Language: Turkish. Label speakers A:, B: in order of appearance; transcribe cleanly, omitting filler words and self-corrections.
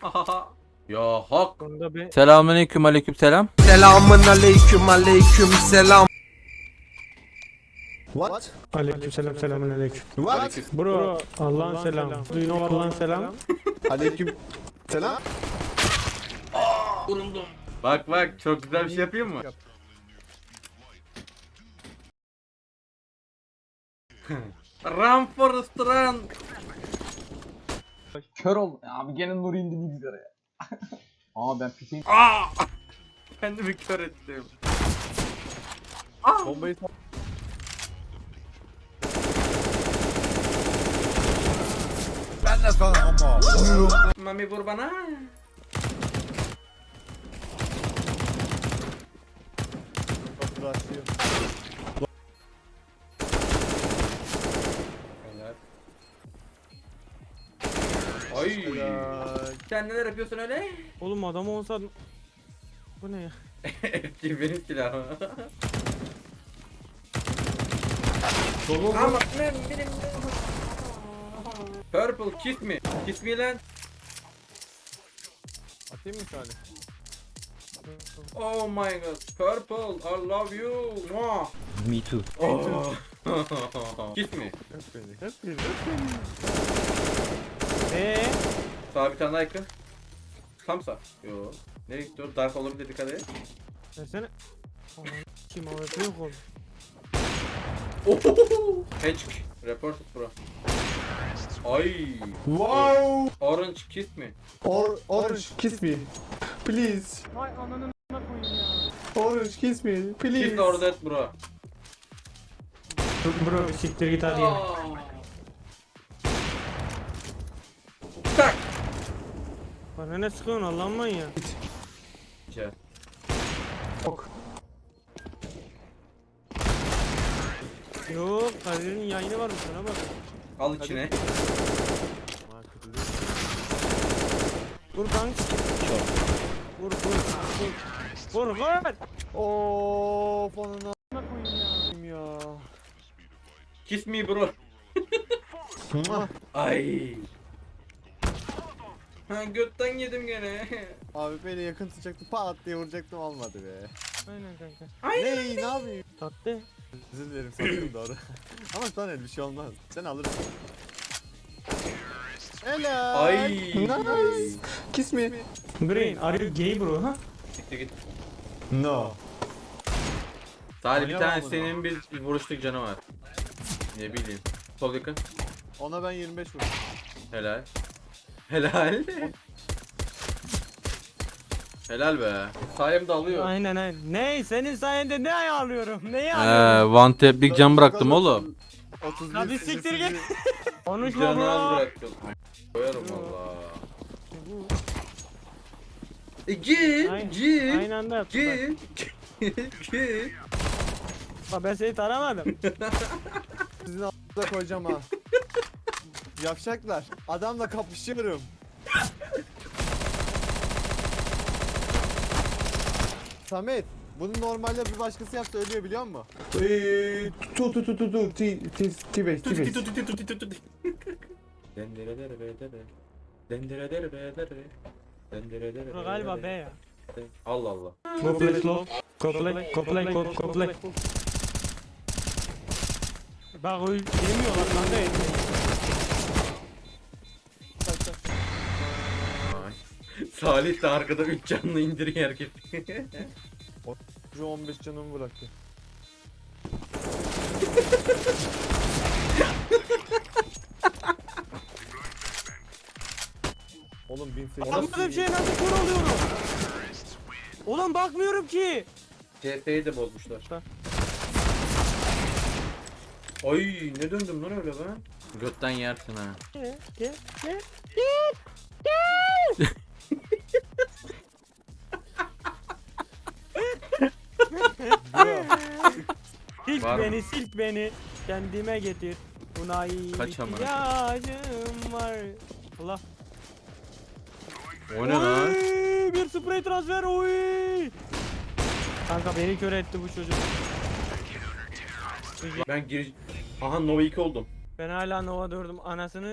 A: Ya hak.
B: Bunda bir
C: Selamünaleyküm, aleykümselam.
D: Selamun aleyküm aleyküm selam.
E: What?
B: aleykümselam selamünaleyküm.
E: What?
B: Bro Allah'ın selamı. Do you know Allah'ın selamı?
E: Aleyküm selam.
A: Vuruldum. Bak bak çok güzel bir şey yapayım mı? Run Forrest run.
F: Kör oldum. Abi gene Nuri indi bilgisayara ya. Aa ben fişeği...
A: Aa! Kendimi kör ettim. Aa!
E: Bombayı
D: Ben de sana ama.
A: Mami vur bana.
E: başlıyor.
A: Helal. Ay. Sen neler yapıyorsun öyle?
B: Oğlum adam olsa... Bu ne ya?
A: Eski benim silahım. Ama benim. Purple kiss me. Kiss me lan.
E: Atayım mı tane?
A: Oh my god. Purple I love you. Mwah.
C: Me too.
A: Oh. Kiss me.
E: Öp beni.
A: Sağ bir tane daha yakın. Tam sağ. Yo. Nereye gitti o? Dark olabilir, dikkat et.
B: Versene. Aman kim AWP yok oğlum.
A: Hedge. Reported bro. Ay.
E: Wow.
A: Orange kiss me.
E: Orange kiss me. Please.
B: Vay ananın koyayım ya.
E: Orange kiss me. Please.
A: Kiss or death bro.
B: Bro bir siktir git hadi ya.
A: Tak.
B: Bana ne sıkıyorsun Allah'ın manyağı.
A: Güzel.
E: Ok.
B: Yok Kadir'in yayını varmış sana bak.
A: Al içine.
B: Vur kank. Vur. Vur.
E: Of anana
B: koyayım ya.
E: ya.
A: Kiss me bro. Ay. Ha götten yedim gene.
E: Abi beni yakın tutacaktı, pat diye vuracaktım, olmadı be.
B: Aynen kanka.
E: Ne yapayım?
B: Tatlı.
E: Özür dilerim, sanırım doğru. Ama sana bir şey olmaz. Sen alırsın. Helal.
A: Ay.
E: Nice. Kiss me.
B: Brain are you gay bro ha?
A: Gitti git.
E: No.
A: Salih bir
E: Oynayamam
A: tane
E: bunu.
A: senin bir vuruşluk canı var. Ne bileyim. Sol yakın.
E: Ona ben 25 vurdum.
A: Helal. Helal. Helal be. Sayemde alıyor.
B: Aynen. Ne senin sayende ne alıyorum? Neyi alıyorum?
C: One tap'lik cam bıraktım oğlum.
E: 31
B: Hadi siktir git. Konuşma
A: Canı az
B: bro.
A: bıraktım. Koyarım valla. Git.
B: Aynı anda yaptım bak.
A: Git.
B: Bak ben seni tanımadım.
E: Sizin a**da koyacağım ha. Yavşaklar. Adamla kapışıyorum. Samet, bunu normalde bir başkası yapsa ölüyor biliyor musun? Tu. T-base.
B: Bro galiba B ya.
A: Allah Allah.
B: Go play slow. Go play. Bak o yemiyorlar kanka.
A: Salih de arkada 3 canlı indiriyor herkes.
E: Şu 15 canımı bıraktı. Oğlum 1800.
B: Anlamadığım bir şey nasıl kör oluyorum? Oğlum bakmıyorum ki.
A: CS'yi de bozmuşlar. Ay ne döndüm lan öyle ben? Götten yersin ha.
B: Gel.
A: Var mı?
B: Silk beni kendime getir. Buna
A: Kaç amına?
B: ihtiyacım var. Allah.
A: O ne lan?
B: Oy, bir sprey transfer oy. Kanka beni kör etti bu çocuk.
A: Ben giriş... Aha Nova 2 oldum.
B: Ben hala Nova 4'üm anasını